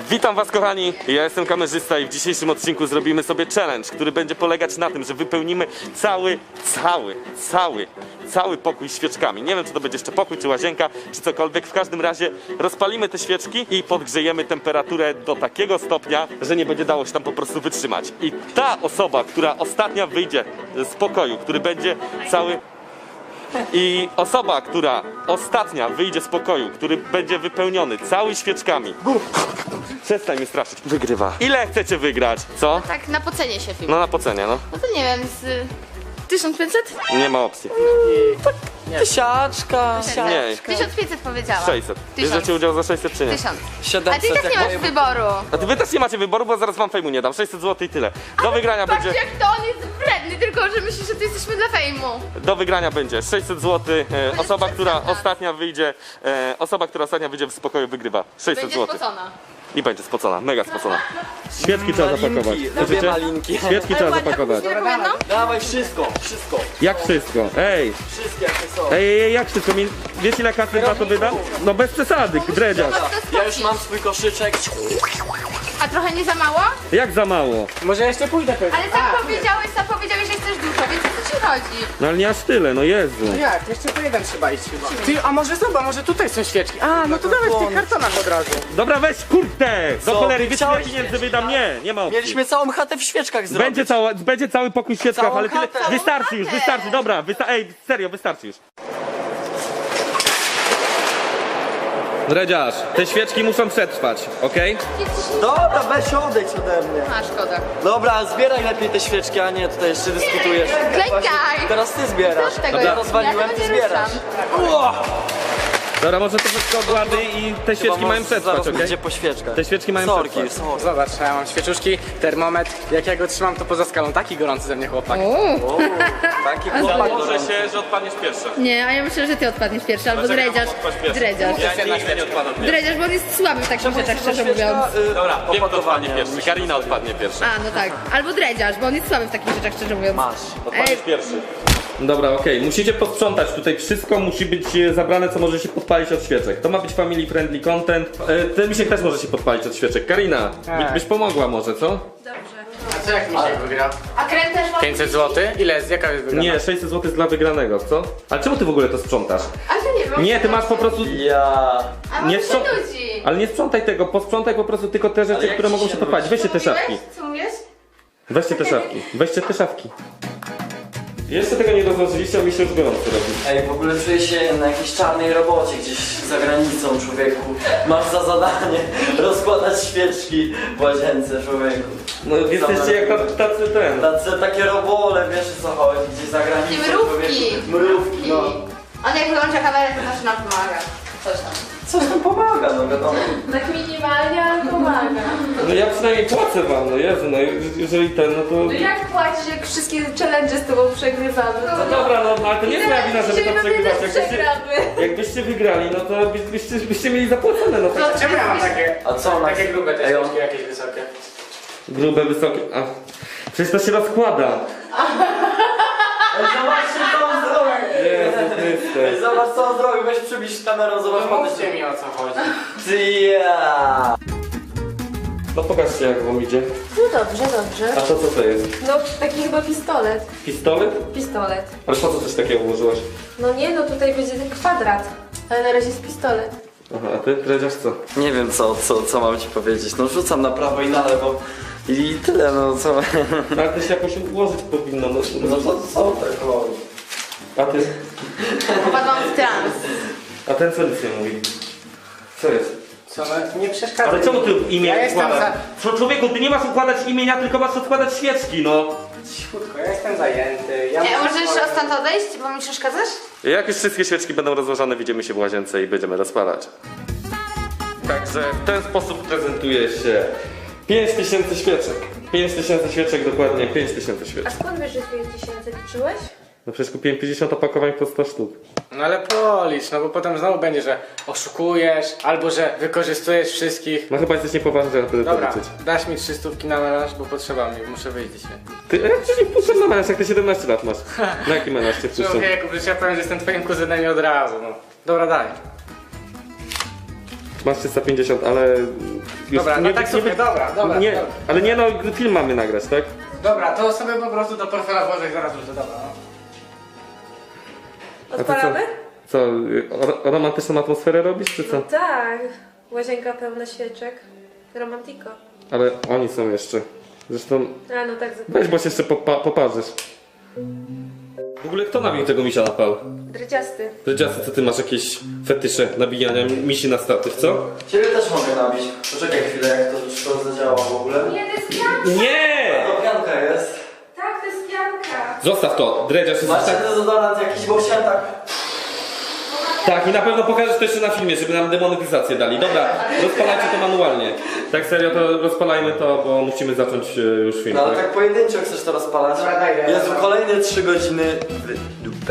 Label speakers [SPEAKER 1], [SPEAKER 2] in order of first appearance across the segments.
[SPEAKER 1] Witam was kochani, ja jestem kamerzysta i w dzisiejszym odcinku zrobimy sobie challenge, który będzie polegać na tym, że wypełnimy cały pokój świeczkami. Nie wiem, czy to będzie jeszcze pokój, czy łazienka, czy cokolwiek. W każdym razie rozpalimy te świeczki i podgrzejemy temperaturę do takiego stopnia, że nie będzie dało się tam po prostu wytrzymać. I ta osoba, która ostatnia wyjdzie z pokoju, który będzie cały... I osoba, która ostatnia wyjdzie z pokoju, który będzie wypełniony cały świeczkami. Przestań mnie straszyć. Wygrywa. Ile chcecie wygrać? Co?
[SPEAKER 2] Tak, na pocenie się film.
[SPEAKER 1] No na pocenie, no.
[SPEAKER 2] No to nie wiem, z 1500?
[SPEAKER 1] Nie ma opcji.
[SPEAKER 3] Tysiaczka.
[SPEAKER 1] Nie.
[SPEAKER 2] 1500 powiedziałam.
[SPEAKER 1] 600.
[SPEAKER 2] 1000.
[SPEAKER 1] Bierzecie udział za 600 czy nie?
[SPEAKER 2] 1000.
[SPEAKER 3] 700.
[SPEAKER 2] A ty i tak nie masz wyboru.
[SPEAKER 1] A wy też nie macie wyboru, bo zaraz wam fejmu nie dam. 600 zł i tyle. Do wygrania
[SPEAKER 2] Patrz
[SPEAKER 1] będzie...
[SPEAKER 2] jak to on jest wredny, tylko że myślisz, że tu jesteśmy dla fejmu.
[SPEAKER 1] Do wygrania będzie 600 zł. Osoba, która
[SPEAKER 2] przesadzać.
[SPEAKER 1] ostatnia wyjdzie... Osoba, która ostatnia wyjdzie z pokoju, wygrywa. 600
[SPEAKER 2] Będzie
[SPEAKER 1] zł.
[SPEAKER 2] spocona.
[SPEAKER 1] I będzie spocona, mega spocona. Świeczki trzeba zapakować.
[SPEAKER 3] Lubię malinki.
[SPEAKER 1] Świeczki trzeba zapakować.
[SPEAKER 2] Jedną?
[SPEAKER 3] Dawaj wszystko.
[SPEAKER 1] Jak wszystko? Ej!
[SPEAKER 3] Wszystkie jakie są.
[SPEAKER 1] Ej, jak wszystko? Wiesz ile kasy za to wydam? No bez przesady, dredziarz.
[SPEAKER 3] Ja już mam swój koszyczek.
[SPEAKER 2] A trochę nie za mało?
[SPEAKER 1] Jak za mało?
[SPEAKER 4] Może jeszcze pójdę pewnie.
[SPEAKER 2] Ale sam powiedziałeś, że chcesz dużo, więc o co ci chodzi?
[SPEAKER 1] No ale nie aż tyle, no Jezu.
[SPEAKER 4] Jak? Jeszcze po jeden trzeba iść chyba. Ty, a może zobacz, może tutaj są świeczki. A, no to dawaj w tych kartonach od razu.
[SPEAKER 1] Dobra, weź kurde! Do
[SPEAKER 3] Co?
[SPEAKER 1] cholery, wiesz ile
[SPEAKER 3] Chciałeś
[SPEAKER 1] pieniędzy wydam? Nie ma opcji.
[SPEAKER 3] Mieliśmy całą chatę w świeczkach zrobić.
[SPEAKER 1] Będzie cały pokój w świeczkach,
[SPEAKER 3] Całą
[SPEAKER 1] ale tyle...
[SPEAKER 3] chatę.
[SPEAKER 1] Wystarczy już,
[SPEAKER 2] Całą
[SPEAKER 1] wystarczy,
[SPEAKER 2] chatę.
[SPEAKER 1] dobra, ej, serio, wystarczy już. Dredziarz, te świeczki muszą przetrwać, okej?
[SPEAKER 3] Dobra, weź odejdź ode mnie.
[SPEAKER 2] A, szkoda.
[SPEAKER 3] Dobra, zbieraj lepiej te świeczki, a nie tutaj jeszcze dyskutujesz.
[SPEAKER 2] Klękaj!
[SPEAKER 3] Teraz ty zbierasz.
[SPEAKER 2] Co z tego?
[SPEAKER 3] Ja rozwaliłem,
[SPEAKER 2] Ja
[SPEAKER 3] ty
[SPEAKER 2] tego nie
[SPEAKER 3] zbierasz.
[SPEAKER 1] Dobra, może to wszystko ogłady i te świeczki mają przetrwać,
[SPEAKER 3] Zaraz
[SPEAKER 1] okej?
[SPEAKER 3] będzie po świeczkach.
[SPEAKER 1] Te świeczki mają
[SPEAKER 3] Sorki,
[SPEAKER 1] przetrwać.
[SPEAKER 3] sorki.
[SPEAKER 4] Zobacz, ja mam świeczuszki, termometr. Jak ja go trzymam, to poza skalą taki gorący ze mnie chłopak.
[SPEAKER 3] O, taki chłopak.
[SPEAKER 1] Może się, że odpadniesz pierwszy.
[SPEAKER 2] Nie, a ja myślę, że ty odpadniesz pierwszy, albo
[SPEAKER 1] Dlaczego
[SPEAKER 2] dredziarz.
[SPEAKER 1] mam odpaść pierwszy?
[SPEAKER 2] Dredziarz.
[SPEAKER 1] Ja nigdy nie odpadam pierwszy.
[SPEAKER 2] Dredziarz, bo on jest słaby w takich rzeczach, szczerze mówiąc.
[SPEAKER 1] Dobra, wiem kto odpadnie
[SPEAKER 3] opakowanie.
[SPEAKER 1] pierwszy. Karina odpadnie pierwszy.
[SPEAKER 2] A, no tak. Albo dredziarz, bo on jest słaby w takich rzeczach, szczerze mówiąc.
[SPEAKER 3] Masz.
[SPEAKER 1] Odpadniesz pierwszy. Dobra, okej. Musicie posprzątać tutaj. Wszystko musi być zabrane, co może się podpalić od świeczek. To ma być family friendly content. Ten misiek też może się podpalić od świeczek. Karina, byś pomogła może, co?
[SPEAKER 4] A co jak Misiek wygra?
[SPEAKER 2] A krem też ma...
[SPEAKER 4] 500 zł? Ile jest? Jaka jest wygrana?
[SPEAKER 1] Nie, 600 zł jest dla wygranego, co? Ale czemu ty w ogóle to sprzątasz?
[SPEAKER 2] Ale to nie wiem.
[SPEAKER 1] Nie, ty masz po prostu...
[SPEAKER 3] Ja.
[SPEAKER 2] A
[SPEAKER 1] Nie
[SPEAKER 2] nie się
[SPEAKER 1] sprzątaj.
[SPEAKER 2] nudzi.
[SPEAKER 1] Ale nie sprzątaj tego, posprzątaj po prostu tylko te rzeczy,
[SPEAKER 3] jak
[SPEAKER 1] które
[SPEAKER 3] ci
[SPEAKER 1] mogą
[SPEAKER 3] się
[SPEAKER 1] się podpalić. Weźcie te szafki.
[SPEAKER 2] Co mówisz?
[SPEAKER 1] Weźcie te szafki. Weźcie te szafki. Jeszcze tego nie rozłożyliście, a mi się już gorąco robi.
[SPEAKER 3] Ej, w ogóle czuję się na jakiejś czarnej robocie gdzieś za granicą, człowieku. Masz za zadanie rozkładać świeczki w łazience, człowieku.
[SPEAKER 1] No jesteście jak tacy ten.
[SPEAKER 3] Takie robole, wiesz o co chodzi, gdzieś za granicą,
[SPEAKER 2] I mrówki.
[SPEAKER 3] człowieku. Mrówki, no.
[SPEAKER 2] On jak wyłącza kamerę, to zawsze nam pomaga. Coś tam.
[SPEAKER 3] Coś tam pomaga, no wiadomo.
[SPEAKER 2] Tak minimalnie, ale pomaga.
[SPEAKER 1] No ja przynajmniej płacę wam, no Jezu, no jeżeli ten, no to...
[SPEAKER 5] No jak płacisz, jak wszystkie challenge z tobą przegrywamy?
[SPEAKER 1] No dobra, no ale to nie jest moja wina, żeby to przegrywać.
[SPEAKER 5] przegramy.
[SPEAKER 1] Jakbyście wygrali, no to byście mieli zapłacone, no tak.
[SPEAKER 4] Czemu ja mam takie?
[SPEAKER 3] A co ona?
[SPEAKER 4] Takie grube te
[SPEAKER 3] Ej, on-
[SPEAKER 4] świeczki, jakieś wysokie.
[SPEAKER 1] Grube, wysokie... A, przecież to się rozkłada.
[SPEAKER 3] Ej, zobaczcie co on zrobił.
[SPEAKER 1] Jezu Chryste.
[SPEAKER 3] Ej, zobacz co on zrobił, weź przybliż kamerą, zobacz
[SPEAKER 4] No
[SPEAKER 3] podejdź.
[SPEAKER 4] mówcie mi o co chodzi.
[SPEAKER 3] Ty ja.
[SPEAKER 1] No pokażcie jak wam idzie.
[SPEAKER 5] No dobrze, dobrze.
[SPEAKER 1] A to co to jest?
[SPEAKER 5] No taki chyba pistolet.
[SPEAKER 1] Pistolet?
[SPEAKER 5] Pistolet.
[SPEAKER 1] Ale po co coś takiego ułożyłaś?
[SPEAKER 5] No nie, no tutaj będzie ten kwadrat. Ale na razie jest pistolet.
[SPEAKER 1] Aha, a ty dredziarz co?
[SPEAKER 3] Nie wiem co mam ci powiedzieć, no rzucam na prawo i na lewo. I tyle, no co.
[SPEAKER 1] No ale to się jakoś ułożyć powinno, no.
[SPEAKER 3] No to co tak robi?
[SPEAKER 1] A ty?
[SPEAKER 2] Popadłam w trans.
[SPEAKER 1] A ten co nic nie mówi? Co jest?
[SPEAKER 4] Co, no nie przeszkadza.
[SPEAKER 1] Ale czemu ty imię
[SPEAKER 4] Ja jestem
[SPEAKER 1] układasz? Człowieku, ty nie masz układać imienia, tylko masz odkładać świeczki, no.
[SPEAKER 4] Cichutko, ja jestem zajęty. Ja muszę
[SPEAKER 2] Możesz
[SPEAKER 4] swoje-
[SPEAKER 2] stąd odejść, bo mi przeszkadzasz?
[SPEAKER 1] Jak już wszystkie świeczki będą rozłożone, widzimy się w łazience i będziemy rozpalać. Także w ten sposób prezentuje się 5000 świeczek. 5000 świeczek, dokładnie 5000
[SPEAKER 5] A
[SPEAKER 1] świeczek.
[SPEAKER 5] skąd wiesz, że 5000 liczyłeś?
[SPEAKER 1] No przecież kupiłem 50 opakowań po 100 sztuk.
[SPEAKER 4] No ale policz, no bo potem znowu będzie, że oszukujesz, albo że wykorzystujesz wszystkich.
[SPEAKER 1] No chyba jesteś niepoważny, żeby to
[SPEAKER 4] Dobra,
[SPEAKER 1] liczyć.
[SPEAKER 4] dasz mi 300 na melanż, bo potrzeba mi, muszę wyjść dzisiaj.
[SPEAKER 1] Ty, jak ci nie wpuszczę na menaż, jak ty 17 lat masz? Na jaki menaż cię wpuszczę?
[SPEAKER 4] Człowieku, przecież ja powiem, że jestem twoim kuzynem i od razu, no. Dobra, daj.
[SPEAKER 1] Masz 350, ale... Już
[SPEAKER 4] Dobra, no tak sobie, dobra.
[SPEAKER 1] Nie, ale nie no, film mamy nagrać, tak?
[SPEAKER 4] Dobra, to sobie po prostu do portfela włożę i zaraz wrócę, dobra. No.
[SPEAKER 5] Odpalamy?
[SPEAKER 1] Co, romantyczną atmosferę robisz, czy co?
[SPEAKER 5] Tak. Łazienka pełna świeczek. Romantiko.
[SPEAKER 1] Ale oni są jeszcze. Zresztą,
[SPEAKER 5] A no tak,
[SPEAKER 1] weź, bo się jeszcze poparzysz. W ogóle kto nabił tego misia na pał?
[SPEAKER 5] dredziasty.
[SPEAKER 1] Dredziasty, co ty masz jakieś fetysze nabijania misi na statyw, co?
[SPEAKER 3] Ciebie też mogę nabić. Poczekaj chwilę, jak to zadziała w ogóle.
[SPEAKER 5] Nie, to jest pianka.
[SPEAKER 1] Nie!
[SPEAKER 3] To pianka jest.
[SPEAKER 5] Tak, to jest pianka.
[SPEAKER 1] Zostaw to, dredziarz jest
[SPEAKER 3] Macie
[SPEAKER 1] tak...
[SPEAKER 3] dezodorant jakiś, bo chciałem tak...
[SPEAKER 1] Tak, i na pewno pokażesz to jeszcze na filmie, żeby nam demonetyzację dali. Dobra, rozpalajcie to manualnie. Tak serio, to rozpalajmy to, bo musimy zacząć już film.
[SPEAKER 3] No ale
[SPEAKER 1] tak?
[SPEAKER 3] tak pojedynczo chcesz to rozpalać.
[SPEAKER 4] Dobra, daj, daj,
[SPEAKER 3] Jezu,
[SPEAKER 4] daj.
[SPEAKER 3] kolejne 3 godziny w dupę.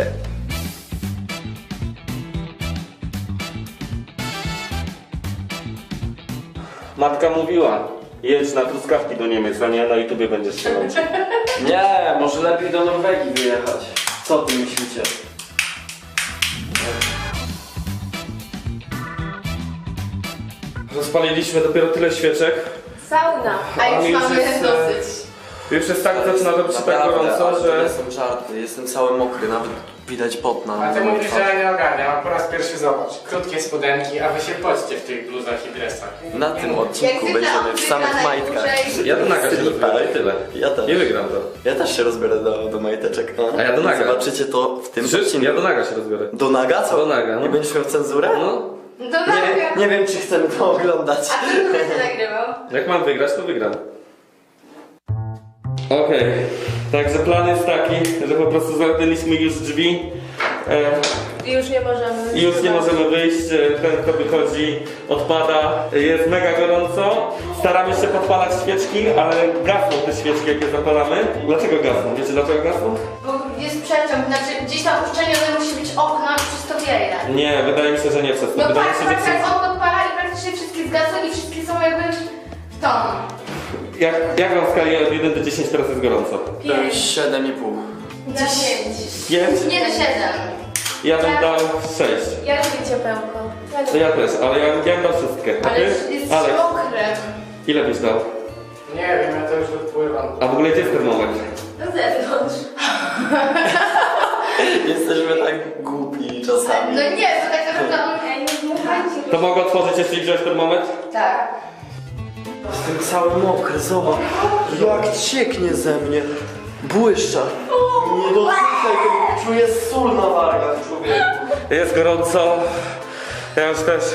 [SPEAKER 1] Matka mówiła, jedź na truskawki do Niemiec, a nie na YouTubie będziesz się męczył.
[SPEAKER 3] Nie, może lepiej do Norwegii wyjechać. Co ty myślicie?
[SPEAKER 1] Rozpaliliśmy dopiero tyle świeczek.
[SPEAKER 5] Sauna.
[SPEAKER 2] A już
[SPEAKER 1] mi już
[SPEAKER 2] mamy
[SPEAKER 1] jest,
[SPEAKER 2] dosyć.
[SPEAKER 1] Już jest tak, zaczyna robić się tak
[SPEAKER 3] Naprawdę,
[SPEAKER 1] gorąco,
[SPEAKER 3] ale to
[SPEAKER 1] że...
[SPEAKER 3] nie są żarty. Jestem cały mokry, nawet widać pot na
[SPEAKER 4] A ty
[SPEAKER 3] mojej
[SPEAKER 4] mówisz, że
[SPEAKER 3] twarzy.
[SPEAKER 4] ja nie ogarniam, a po raz pierwszy zobacz. Krótkie spodenki, a wy się poćcie w tych bluzach i dresach.
[SPEAKER 3] Na tym
[SPEAKER 2] Jak
[SPEAKER 3] odcinku
[SPEAKER 2] zwykle
[SPEAKER 3] będziemy w samych
[SPEAKER 2] odwyka
[SPEAKER 3] majtkach.
[SPEAKER 2] najdłużej.
[SPEAKER 1] Ja do naga się
[SPEAKER 3] Slipach.
[SPEAKER 1] rozbiorę i tyle.
[SPEAKER 3] Ja też.
[SPEAKER 1] Nie wygram to.
[SPEAKER 3] Ja też się rozbiorę do majteczek. No.
[SPEAKER 1] A ja do naga.
[SPEAKER 3] Zobaczycie to w tym
[SPEAKER 1] Słyszysz?
[SPEAKER 3] odcinku.
[SPEAKER 1] Ja do naga się rozbiorę.
[SPEAKER 3] Do naga? Co?
[SPEAKER 1] Do naga, no.
[SPEAKER 3] Nie będziesz miał cenzurę?
[SPEAKER 1] No,
[SPEAKER 2] To nagra.
[SPEAKER 3] Nie wiem, czy chcemy to oglądać.
[SPEAKER 2] A kto tu będzie nagrywał?
[SPEAKER 1] jak mam wygrać, to wygram. Okej, także plan jest taki, że po prostu zamknęliśmy już drzwi.
[SPEAKER 5] I już nie możemy.
[SPEAKER 1] I już nie możemy wyjść, ten kto wychodzi odpada, jest mega gorąco. Staramy się podpalać świeczki, ale gasną te świeczki jak je zapalamy. Dlaczego gasną? Wiecie dlaczego gasną?
[SPEAKER 2] Bo jest przeciąg, znaczy gdzieś tam uszczelnione musi być okno i przez to wieje.
[SPEAKER 1] Nie, wydaje mi się, że nie przez to.
[SPEAKER 2] No
[SPEAKER 1] Wydaje mi
[SPEAKER 2] patrz,
[SPEAKER 1] się, że
[SPEAKER 2] patrz,
[SPEAKER 1] przez...
[SPEAKER 2] jak on podpala i praktycznie wszystkie zgasły i wszystkie są jakby w tom.
[SPEAKER 1] Jak mam w skali od 1 do 10 teraz jest gorąco?
[SPEAKER 5] 5.
[SPEAKER 3] 7,5.
[SPEAKER 2] 10.
[SPEAKER 1] 5?
[SPEAKER 2] Nie do 7.
[SPEAKER 1] Ja bym dał 6.
[SPEAKER 5] Ja lubię ciepełko.
[SPEAKER 1] To ja też, ale ja bym dał wszystkie. A
[SPEAKER 2] Ale
[SPEAKER 1] ty?
[SPEAKER 2] jest
[SPEAKER 1] Aleks,
[SPEAKER 2] mokre.
[SPEAKER 1] ile byś dał?
[SPEAKER 4] Nie wiem, ja to już odpływam.
[SPEAKER 1] A w ogóle gdzie jest termometr?
[SPEAKER 5] Na zewnątrz.
[SPEAKER 3] Jesteśmy tak głupi czasami.
[SPEAKER 2] No nie, to tak naprawdę on...
[SPEAKER 5] Ej, nie dmuchajcie.
[SPEAKER 1] To mogę otworzyć jeszcze i wziąć termometr?
[SPEAKER 2] Tak.
[SPEAKER 3] Jestem cały mokry, zobacz. Jak cieknie ze mnie. Błyszcza. Nie dotykaj tego, czuję sól na wargach, człowieku.
[SPEAKER 1] Jest gorąco. Ja już też.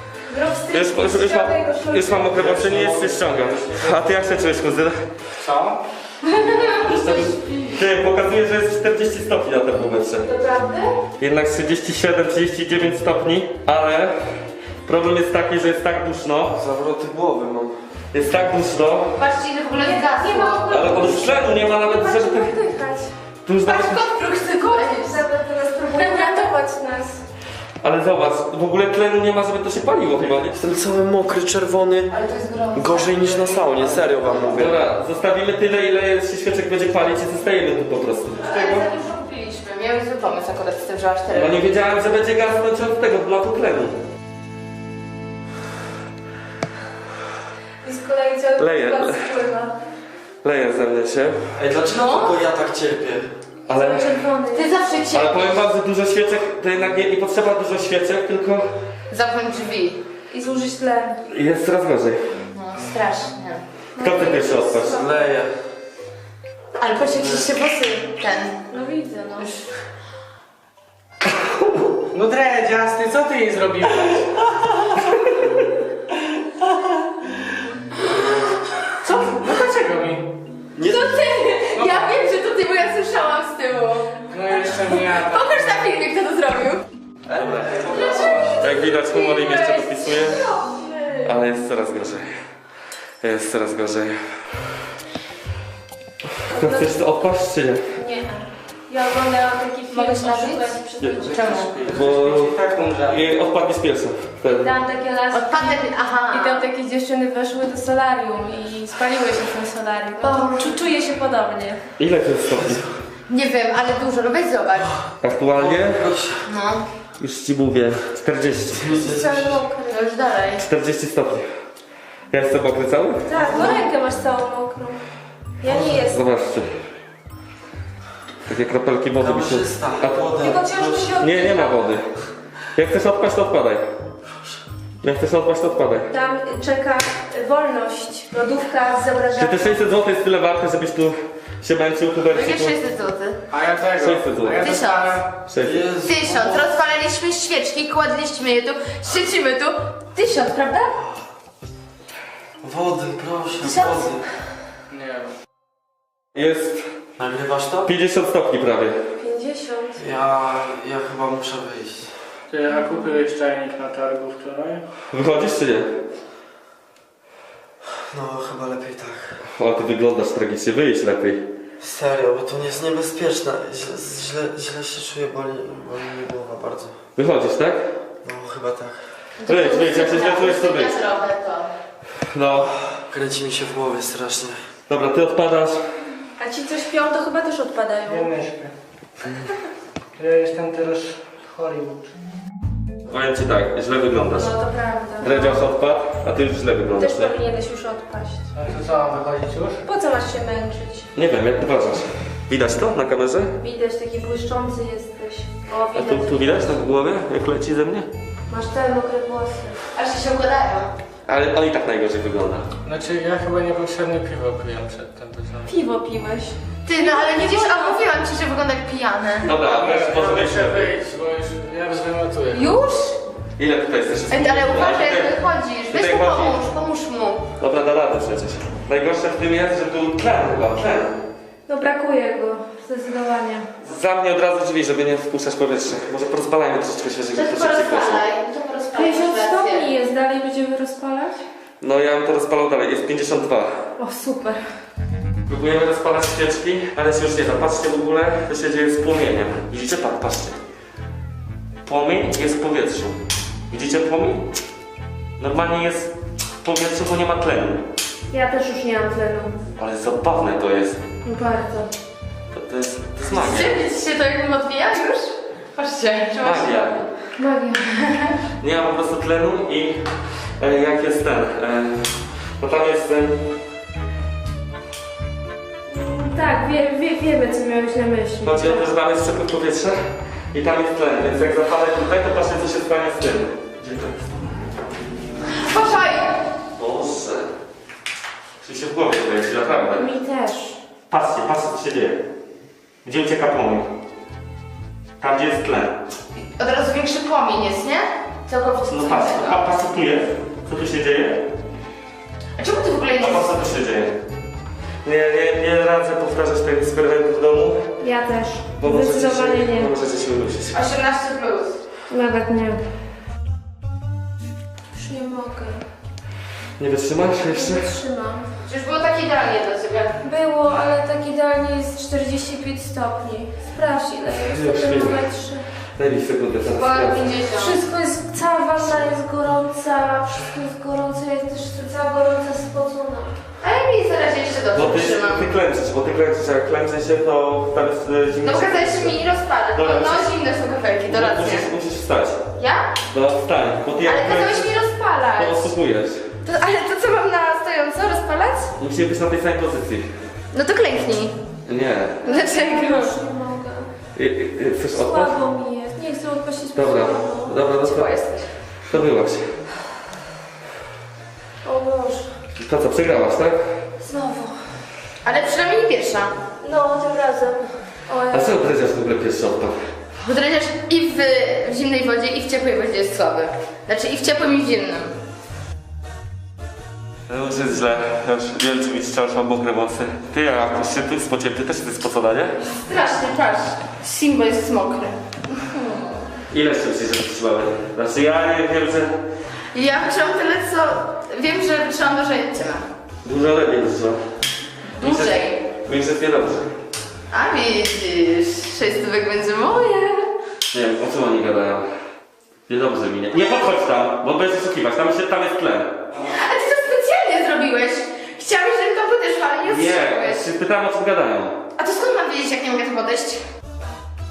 [SPEAKER 1] Już mam mokre włosy, nie jest się ściągam. A ty jak się czujesz, kuzyn?
[SPEAKER 4] Co?
[SPEAKER 1] Ty, pokazuje, że jest 40 stopni na termometrze.
[SPEAKER 5] Naprawdę?
[SPEAKER 1] Jednak 37, 39 stopni, ale problem jest taki, że jest tak duszno.
[SPEAKER 3] Zawroty głowy mam.
[SPEAKER 1] Jest tak duszno,
[SPEAKER 2] Patrzcie, ile w ogóle
[SPEAKER 5] Nie
[SPEAKER 2] zgasło.
[SPEAKER 5] ma
[SPEAKER 1] ale od tlenu nie ma nawet,
[SPEAKER 5] Zobaczcie,
[SPEAKER 1] żeby...
[SPEAKER 5] oddychać.
[SPEAKER 1] Tu już nawet...
[SPEAKER 2] Patrz, kot chce koniec.
[SPEAKER 5] Zabę teraz próbuje uratować nas.
[SPEAKER 1] Ale zobacz, w ogóle tlenu nie ma, żeby to się paliło chyba, nie?
[SPEAKER 3] Jestem cały mokry, czerwony.
[SPEAKER 2] Ale to jest gorąco.
[SPEAKER 3] Gorzej niż na saunie, serio wam mówię.
[SPEAKER 1] Dobra, zostawimy tyle, ile się świeczek będzie palić i zostajemy tu po prostu.
[SPEAKER 2] Ale za dużo kupiliśmy. Miałem zły pomysł akurat z tym, że aż 4.
[SPEAKER 1] No nie wiedziałem, że będzie gasnąć od tego, dla tlenu.
[SPEAKER 5] I z kolei cały
[SPEAKER 1] Leje.
[SPEAKER 5] plac spływa.
[SPEAKER 1] Leje ze mnie się,
[SPEAKER 3] Ej, dlaczego
[SPEAKER 2] No.
[SPEAKER 3] tylko ja tak cierpię?
[SPEAKER 1] ale...
[SPEAKER 5] Cały czerwony.
[SPEAKER 2] Ty zawsze
[SPEAKER 1] Ale
[SPEAKER 2] cię.
[SPEAKER 1] powiem wam, że dużo świeczek, to jednak nie potrzeba dużo świeczek, tylko
[SPEAKER 2] Zamknąć drzwi.
[SPEAKER 5] I zużyć tlen.
[SPEAKER 1] jest coraz gorzej.
[SPEAKER 2] No, strasznie.
[SPEAKER 1] Kto ty pierwszy odpaść?
[SPEAKER 3] Leję.
[SPEAKER 2] Ale patrz, jak się włosy ten.
[SPEAKER 5] No widzę, no.
[SPEAKER 4] No dredziasty, co ty jej zrobiłeś? Co? No dlaczego mi?
[SPEAKER 3] Nie,
[SPEAKER 2] To ty! Ja wiem, że to ty, bo ja słyszałam z tyłu.
[SPEAKER 4] No jeszcze nie ja.
[SPEAKER 2] Pokaż na filmie, kto to zrobił.
[SPEAKER 1] Jak widać, humor im jeszcze dopisuje, ale jest coraz gorzej. Jest coraz gorzej. Chcesz to odpaść, czy nie?
[SPEAKER 5] Nie. Ja oglądałam taki film
[SPEAKER 2] Mogę
[SPEAKER 5] o
[SPEAKER 2] się napić?
[SPEAKER 5] szukaniu przestępców.
[SPEAKER 2] Czemu?
[SPEAKER 1] Bo odpadnie z pierwszym. Wtedy.
[SPEAKER 5] Dałam takie laski.
[SPEAKER 2] Odpadnę, aha.
[SPEAKER 5] I tam takie dziewczyny weszły do solarium i spaliły się w tym solarium. Czuję się podobnie.
[SPEAKER 1] Ile to jest stopni?
[SPEAKER 2] Nie wiem, ale dużo, no weź zobacz.
[SPEAKER 1] Aktualnie?
[SPEAKER 2] No.
[SPEAKER 1] Już ci mówię, 40.
[SPEAKER 5] Cały mokry.
[SPEAKER 2] No już dalej.
[SPEAKER 1] 40 stopni. Ja jestem mokry cały?
[SPEAKER 5] Tak, no rękę masz całą mokrą. Ja nie jestem.
[SPEAKER 1] Zobaczcie. Takie kropelki wody mi się...
[SPEAKER 3] Kamerzysta, wodę.
[SPEAKER 5] Tylko ciężko się
[SPEAKER 1] Nie ma wody. Jak chcesz odpaść, to odpadaj. Jak chcesz odpaść, to odpadaj.
[SPEAKER 5] Tam czeka wolność. Lodówka z
[SPEAKER 1] Czy
[SPEAKER 5] zobrażeniem.
[SPEAKER 1] te 600 zł jest tyle warte, żebyś tu się męczył,
[SPEAKER 2] Jakie
[SPEAKER 1] Huberciku?
[SPEAKER 2] 600 zł?
[SPEAKER 4] A ja tego.
[SPEAKER 1] 600 zł.
[SPEAKER 4] A ja
[SPEAKER 2] 1000.
[SPEAKER 4] dostałem...
[SPEAKER 1] 600.
[SPEAKER 3] Jezu.
[SPEAKER 2] 1000. Rozpalaliśmy świeczki, kładliśmy je tu, świecimy tu. 1000, prawda?
[SPEAKER 3] Wody, proszę,
[SPEAKER 2] 1000?
[SPEAKER 3] wody.
[SPEAKER 4] Nie wiem.
[SPEAKER 1] Jest
[SPEAKER 3] Nagrywasz to?
[SPEAKER 1] 50 stopni prawie.
[SPEAKER 5] 50.
[SPEAKER 3] Ja chyba muszę wyjść.
[SPEAKER 4] Ty, a kupiłeś czajnik na targu wczoraj?
[SPEAKER 1] Wychodzisz czy nie?
[SPEAKER 3] No, chyba lepiej tak.
[SPEAKER 1] O, ty wyglądasz tragicznie, wyjdź lepiej.
[SPEAKER 3] Serio, bo to nie jest niebezpieczne. Źle się czuję, boli mnie głowa bardzo.
[SPEAKER 1] Wychodzisz, tak?
[SPEAKER 3] No, chyba tak.
[SPEAKER 1] Wyjdź, jak się źle czujesz, to wyjdź.
[SPEAKER 2] trochę to.
[SPEAKER 1] No,
[SPEAKER 3] Kręci mi się w głowie strasznie.
[SPEAKER 1] dobra, ty odpadasz.
[SPEAKER 5] A ci, co śpią, to chyba też odpadają.
[SPEAKER 4] Ja nie śpię. Ja jestem teraz w Hollywood.
[SPEAKER 1] Powiem ci tak, źle wyglądasz.
[SPEAKER 5] No to prawda.
[SPEAKER 1] Dredziarz odpadł, a ty już źle wyglądasz,
[SPEAKER 5] Też
[SPEAKER 1] nie?
[SPEAKER 5] powinieneś już odpaść.
[SPEAKER 4] A to co, mam wychodzić już?
[SPEAKER 5] Po co masz się męczyć?
[SPEAKER 1] Nie wiem, jak uważasz? Widać to na kamerze?
[SPEAKER 5] Widać, taki błyszczący jesteś. O,
[SPEAKER 1] A
[SPEAKER 5] widać.
[SPEAKER 1] tu widać tak w głowie, jak leci ze mnie?
[SPEAKER 5] Masz te mokre włosy.
[SPEAKER 2] Aż się układają.
[SPEAKER 1] Ale on i tak najgorzej wygląda.
[SPEAKER 4] Znaczy, ja chyba niepotrzebnie piwo piłem przedtem. To są...
[SPEAKER 5] Piwo piłeś.
[SPEAKER 2] Ty, no ale widzisz, a mówiłam ci, że wygląda jak pijany.
[SPEAKER 1] Dobra, a teraz może
[SPEAKER 4] muszę
[SPEAKER 1] wyjść.
[SPEAKER 4] wyjść, bo już ja zwymiotuję.
[SPEAKER 2] Już?
[SPEAKER 1] Ile tutaj jesteś?
[SPEAKER 2] Ej, ale uważaj, jak wychodzisz. Weź
[SPEAKER 1] tutaj
[SPEAKER 2] mu
[SPEAKER 1] chodzi.
[SPEAKER 2] pomóż mu.
[SPEAKER 1] Dobra, da radę przecież. Najgorsze w tym jest, że tu tlen chyba, tlen.
[SPEAKER 5] No brakuje go, zdecydowanie.
[SPEAKER 1] Za mnie od razu drzwi, żeby nie wpuszczać powietrza. Może porozbalajmy troszeczkę świeżego
[SPEAKER 2] To
[SPEAKER 1] powietrza.
[SPEAKER 2] porozpalaj. To porozpalaj.
[SPEAKER 5] 50
[SPEAKER 2] masz rację.
[SPEAKER 5] stopni jest, dalej będziemy rozpalać?
[SPEAKER 1] No ja bym to rozpalał dalej, jest 52.
[SPEAKER 5] O, super.
[SPEAKER 1] Próbujemy rozpalać świeczki, ale się już nie da. Patrzcie w ogóle, co się dzieje z płomieniem. Widzicie? Patrzcie. Płomień jest w powietrzu. Widzicie płomień? Normalnie jest w powietrzu, bo nie ma tlenu.
[SPEAKER 5] Ja też już nie mam tlenu.
[SPEAKER 1] Ale zabawne to jest.
[SPEAKER 5] No bardzo.
[SPEAKER 1] To jest magia.
[SPEAKER 2] Widzicie to, jak bym odbija już? Patrzcie.
[SPEAKER 1] Magia.
[SPEAKER 5] Magia.
[SPEAKER 1] Nie ma po prostu tlenu i jak jest ten, no tam jest ten,
[SPEAKER 5] Tak, wiemy, co miałeś na myśli.
[SPEAKER 1] chodzi o to, że tam jest przepływ powietrza i tam jest tlen, więc jak zapalę tutaj, to patrzcie, co się stanie z tym. Gdzie to jest?
[SPEAKER 2] Uważaj!
[SPEAKER 1] Boże. Czyli się w głowie kręci, naprawdę.
[SPEAKER 5] Mi też.
[SPEAKER 1] Patrzcie, co się dzieje. Gdzie ucieka płomień? Tam, gdzie jest tlen.
[SPEAKER 2] Od razu większy płomień jest, nie? Całkowicie
[SPEAKER 1] No
[SPEAKER 2] co
[SPEAKER 1] patrz,
[SPEAKER 2] innego.
[SPEAKER 1] a patrz co tu jest. Co tu się dzieje?
[SPEAKER 2] A czemu ty w ogóle
[SPEAKER 1] A
[SPEAKER 2] nie...
[SPEAKER 1] patrz co tu się dzieje. Nie radzę powtarzać tego eksperymentu w domu,
[SPEAKER 5] Ja też.
[SPEAKER 1] bo możecie
[SPEAKER 5] Zdecydowanie
[SPEAKER 1] się,
[SPEAKER 5] nie.
[SPEAKER 1] możecie się udusić.
[SPEAKER 2] 18 plus.
[SPEAKER 5] Nawet nie. Już nie mogę.
[SPEAKER 1] Nie wytrzymasz jeszcze?
[SPEAKER 5] Nie wytrzymam.
[SPEAKER 2] Przecież było tak idealnie dla ciebie.
[SPEAKER 5] Było, ale tak idealnie jest 45 stopni. Sprawdź, ile jest
[SPEAKER 1] Już
[SPEAKER 5] w
[SPEAKER 1] wiem.
[SPEAKER 5] termometrze.
[SPEAKER 1] Daj mi sekundę, teraz
[SPEAKER 2] Chyba
[SPEAKER 1] sprawdzę.
[SPEAKER 2] 50.
[SPEAKER 5] Wszystko jest, cała wanna jest gorąca, wszystko jest gorące, ja też jestem cała gorąca, spocona.
[SPEAKER 2] A ja mi zaraz jeszcze
[SPEAKER 1] Bo
[SPEAKER 2] dobrze
[SPEAKER 1] ty
[SPEAKER 2] trzymam.
[SPEAKER 1] klęczysz, a jak klęczy się, to tam jest zimno.
[SPEAKER 2] No bo kazałeś mi rozpalać.
[SPEAKER 1] Dobra,
[SPEAKER 2] No
[SPEAKER 1] przecież-
[SPEAKER 2] zimne są kafelki, to racja.
[SPEAKER 1] Musisz wstać.
[SPEAKER 2] Ja?
[SPEAKER 1] No wstań, bo ty jak
[SPEAKER 2] Ale kazałeś
[SPEAKER 1] klęczysz,
[SPEAKER 2] mi rozpalać.
[SPEAKER 1] to osłupujesz.
[SPEAKER 2] Ale to co mam na stojąco rozpalać?
[SPEAKER 1] Musimy być na tej samej pozycji.
[SPEAKER 2] No to klęknij.
[SPEAKER 1] Nie.
[SPEAKER 2] Dlaczego?
[SPEAKER 5] Już nie mogę.
[SPEAKER 1] Chcesz odpaść?
[SPEAKER 5] Słabo mi jest, nie chcę odpaść z
[SPEAKER 1] Dobra,
[SPEAKER 5] powodu.
[SPEAKER 1] dobra, no
[SPEAKER 2] Ciepło
[SPEAKER 1] to,
[SPEAKER 2] jesteś.
[SPEAKER 1] to byłaś.
[SPEAKER 5] O Boże.
[SPEAKER 1] To co, przegrałaś, tak?
[SPEAKER 5] Znowu.
[SPEAKER 2] Ale przynajmniej nie pierwsza.
[SPEAKER 5] No, tym razem. O,
[SPEAKER 1] A co dreziarz w ogóle pierwszy odpadł?
[SPEAKER 2] Bo dredziarz i w zimnej wodzie, i w ciepłej wodzie jest słaby. Znaczy i w ciepłym, i w zimnym.
[SPEAKER 1] No już jest źle, ja już nie wiem czy mi wciąż mam mokre włosy. Ty, jak już się ty spociłem, ty też jesteś spocona, nie?
[SPEAKER 2] Strasznie, patrz. Simbo jest mokry.
[SPEAKER 1] Ile jeszcze myślisz, że wytrzymamy? Znaczy ja nie wiem, że
[SPEAKER 2] Ja wytrzymam tyle, co... Wiem, że wytrzymam dłużej od ciebie.
[SPEAKER 1] dużo lepiej wytrzymam.
[SPEAKER 2] Dłużej.
[SPEAKER 1] Mi jest niedobrze.
[SPEAKER 2] A widzisz, 600 będzie moje.
[SPEAKER 1] Nie wiem, o czym oni gadają. Niedobrze mi nie. Nie podchodź tam, bo będziesz oszukiwać, tam jest tlen.
[SPEAKER 2] A ty to specjalnie zrobiłeś. Chciałeś, żeby to podeszło, ale nie
[SPEAKER 1] Nie,
[SPEAKER 2] ostrzegłeś.
[SPEAKER 1] się pytałem o czym gadają.
[SPEAKER 2] A to skąd mam wiedzieć, jak nie mogę tu podejść? To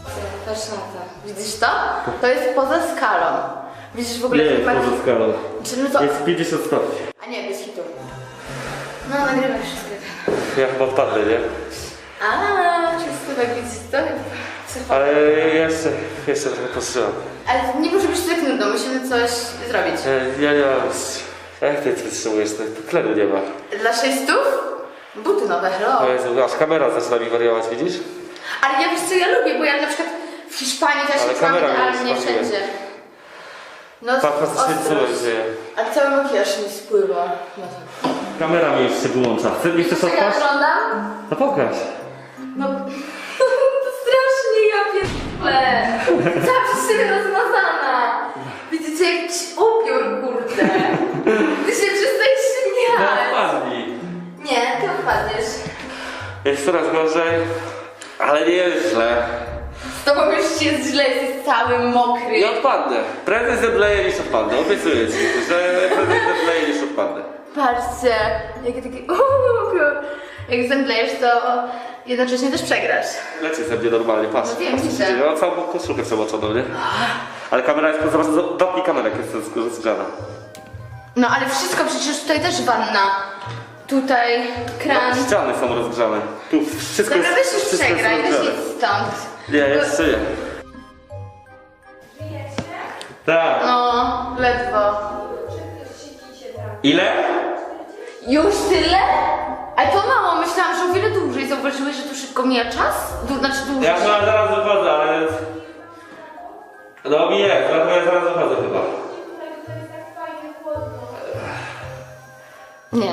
[SPEAKER 2] Patrz na to. Widzisz to? To jest poza skalą. Widzisz w ogóle...
[SPEAKER 1] Nie jest
[SPEAKER 2] patrz-
[SPEAKER 1] poza skalą.
[SPEAKER 2] Czy no to...
[SPEAKER 1] Jest 50 stopni.
[SPEAKER 2] A nie, bez hitu. No, nagrywaj wszystko.
[SPEAKER 1] Ja chyba odpadnę, nie?
[SPEAKER 2] A, wszystko tak widzisz to? Super.
[SPEAKER 1] Ale jeszcze trochę postrzelam.
[SPEAKER 2] Ale nie może być tak nudno, musimy coś zrobić.
[SPEAKER 1] Ja nie mam... Jak ty wytrzymujesz? To tlenu nie ma.
[SPEAKER 2] Dla 600? Buty nowe, hello.
[SPEAKER 1] O Jezu, aż kamera zaczyna mi wariować, widzisz?
[SPEAKER 2] Ale ja wiesz co ja lubię, bo ja na przykład w Hiszpanii też
[SPEAKER 1] Ale
[SPEAKER 2] się czułam
[SPEAKER 1] kamera mi
[SPEAKER 2] idealnie
[SPEAKER 1] smakuje.
[SPEAKER 2] wszędzie. No,
[SPEAKER 1] Tak, faktycznie co
[SPEAKER 2] ostrość.
[SPEAKER 1] dzieje.
[SPEAKER 2] Ale cały makijaż mi spływa. No to...
[SPEAKER 1] Kamera mi już się wyłącza. Nie chcesz
[SPEAKER 2] Jak ja
[SPEAKER 1] odpaść?
[SPEAKER 2] wyglądam?
[SPEAKER 1] No pokaż.
[SPEAKER 2] No, to strasznie ja pierdolę. Cała przez siebie rozmazana. Widzicie, jakiś upiór, kurde. Ty się przestań
[SPEAKER 1] No
[SPEAKER 2] śmiać.
[SPEAKER 1] odpadnij.
[SPEAKER 2] Nie, ty odpadniesz.
[SPEAKER 1] Jest coraz gorzej, ale nie jest źle.
[SPEAKER 2] Z tobą już jest źle, jesteś cały mokry.
[SPEAKER 1] Nie odpadnę. Prędzej zemdleję niż odpadnę. Obiecuję ci, że prędzej zemdleję niż odpadnę.
[SPEAKER 2] Patrzcie, jakie takie upiór. Jak zemdlejesz, to jednocześnie też przegrasz.
[SPEAKER 1] Leci ze mnie normalnie, patrz.
[SPEAKER 2] No wiem,
[SPEAKER 1] Patrz, co się
[SPEAKER 2] widzę.
[SPEAKER 1] dzieje. Ja mam całą koszulkę przemoczoną, nie? Ale kamera jest, zobacz, dopnij kamerę, jak jest rozgrzana.
[SPEAKER 2] No ale wszystko, przecież tutaj też wanna. Tutaj kran.
[SPEAKER 1] No, ściany są rozgrzane. Tu wszystko
[SPEAKER 2] Dobra, weź
[SPEAKER 1] jest,
[SPEAKER 2] już
[SPEAKER 1] wszystko
[SPEAKER 2] przegraj,
[SPEAKER 1] jest
[SPEAKER 2] weź
[SPEAKER 1] rozgrzane.
[SPEAKER 2] idź stąd.
[SPEAKER 1] Nie, jeszcze nie. Tak.
[SPEAKER 2] No, ledwo.
[SPEAKER 1] Ile?
[SPEAKER 2] Już tyle? Ale to mało, myślałam, że o wiele dłużej. Zauważyłeś, że tu szybko mija czas? Znaczy dłużej.
[SPEAKER 1] Ja chyba zaraz wychodzę, ale... No mi jest, dlatego ja zaraz wychodzę chyba.
[SPEAKER 2] Nie.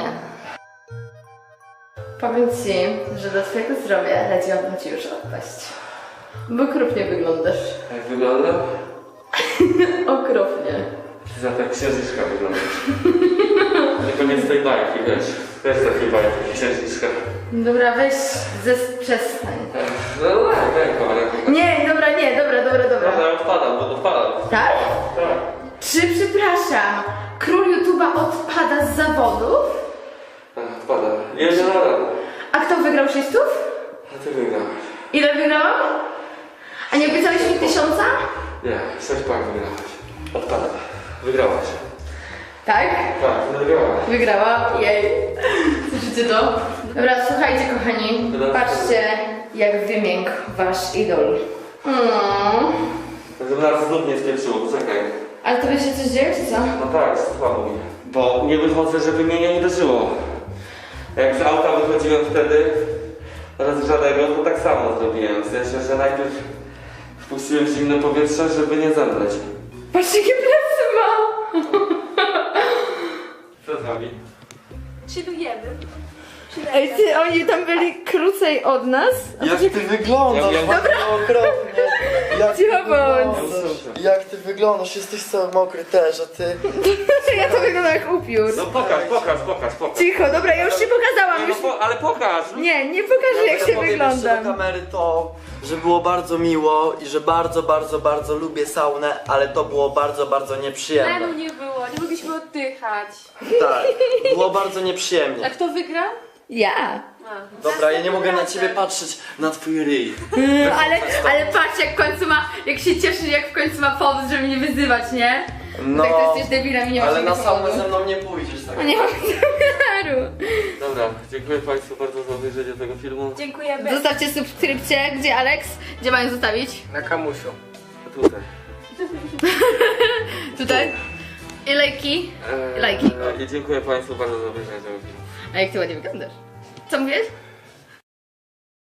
[SPEAKER 2] Powiem ci, że do twojego zdrowia radziłabym ci już odpaść. Bo okropnie wyglądasz.
[SPEAKER 1] Jak wygląda?
[SPEAKER 2] Okropnie.
[SPEAKER 1] Ty za tak księżniczka wyglądasz. Tylko nie z tej bajki, wiesz. Też z takiej bajki, księżniczka.
[SPEAKER 2] Dobra, weź przestań.
[SPEAKER 1] No tak, kamerę.
[SPEAKER 2] Nie, dobra, nie, dobra.
[SPEAKER 1] Dobra, odpadam, bo odpadam.
[SPEAKER 2] Tak?
[SPEAKER 1] Tak.
[SPEAKER 2] Czy, przepraszam, król YouTube'a odpada z zawodów?
[SPEAKER 1] Odpadam. Nie, nie rada.
[SPEAKER 2] A kto wygrał 600?
[SPEAKER 1] A ty wygrałeś.
[SPEAKER 2] Ile wygrałam? A nie obiecałeś mi 1000?
[SPEAKER 1] Nie, 6 pak wygrałaś. Odpadam. Wygrałaś.
[SPEAKER 2] Tak?
[SPEAKER 1] Tak, wygrałaś.
[SPEAKER 2] Wygrała, jej. Słyszycie to? Dobra, słuchajcie kochani, patrzcie jak wymiękł wasz idol.
[SPEAKER 1] Żeby nas znów nie spieprzyło, poczekaj.
[SPEAKER 2] Ale tobie się coś dzieje, czy co?
[SPEAKER 1] No tak, słabo mi. Bo nie wychodzę, żeby mnie nie uderzyło. Jak z auta wychodziłem wtedy rozgrzanego, to tak samo zrobiłem. W sensie, że najpierw wpuściłem zimne powietrze, żeby nie zemdleć.
[SPEAKER 2] Patrzcie jakie plecy mam!
[SPEAKER 1] Co z wami?
[SPEAKER 5] Chillujemy.
[SPEAKER 2] Ej, ty, oni tam byli krócej od nas?
[SPEAKER 3] Jak ty wyglądasz?
[SPEAKER 1] Ja-
[SPEAKER 3] Dobra. Okropnie. Jak ty
[SPEAKER 2] Cicho bądź.
[SPEAKER 3] wyglądasz? Jak ty wyglądasz? Jesteś cały mokry też, a ty...
[SPEAKER 2] Ja to wyglądam jak upiór.
[SPEAKER 1] No pokaż.
[SPEAKER 2] Cicho, dobra, ja już się pokazałam, już...
[SPEAKER 1] Ale pokaż!
[SPEAKER 2] Nie pokażę jak się
[SPEAKER 3] powiem jeszcze do
[SPEAKER 2] wyglądam.
[SPEAKER 3] kamery to, że było bardzo miło i że bardzo lubię saunę, ale to było bardzo nieprzyjemne.
[SPEAKER 5] Tlenu nie było, nie mogliśmy oddychać.
[SPEAKER 3] Tak, było bardzo nieprzyjemnie.
[SPEAKER 5] A kto wygrał?
[SPEAKER 2] Ja.
[SPEAKER 3] Dobra, ja nie mogę na ciebie patrzeć, na twój ryj.
[SPEAKER 2] Ale patrz jak w końcu ma, jak się cieszy, jak w końcu ma powód, żeby mnie wyzywać, nie?
[SPEAKER 3] No,
[SPEAKER 2] Tak to jesteś debilem i nie masz
[SPEAKER 3] ale na
[SPEAKER 2] takiego
[SPEAKER 3] saunę
[SPEAKER 2] powodu.
[SPEAKER 3] ze mną nie pójdziesz, tak?
[SPEAKER 2] No nie mam zamiaru.
[SPEAKER 1] Dobra, dziękuję Państwu bardzo za obejrzenie tego filmu.
[SPEAKER 5] Dziękujemy.
[SPEAKER 2] Zostawcie subskrypcję. Gdzie Alex? Gdzie mają zostawić?
[SPEAKER 4] Na kamusiu.
[SPEAKER 1] Tutaj.
[SPEAKER 2] Tutaj? I lajki? Lajki.
[SPEAKER 1] I dziękuję Państwu bardzo za obejrzenie tego filmu.
[SPEAKER 2] A jak ty ładnie wyglądasz. Co mówisz?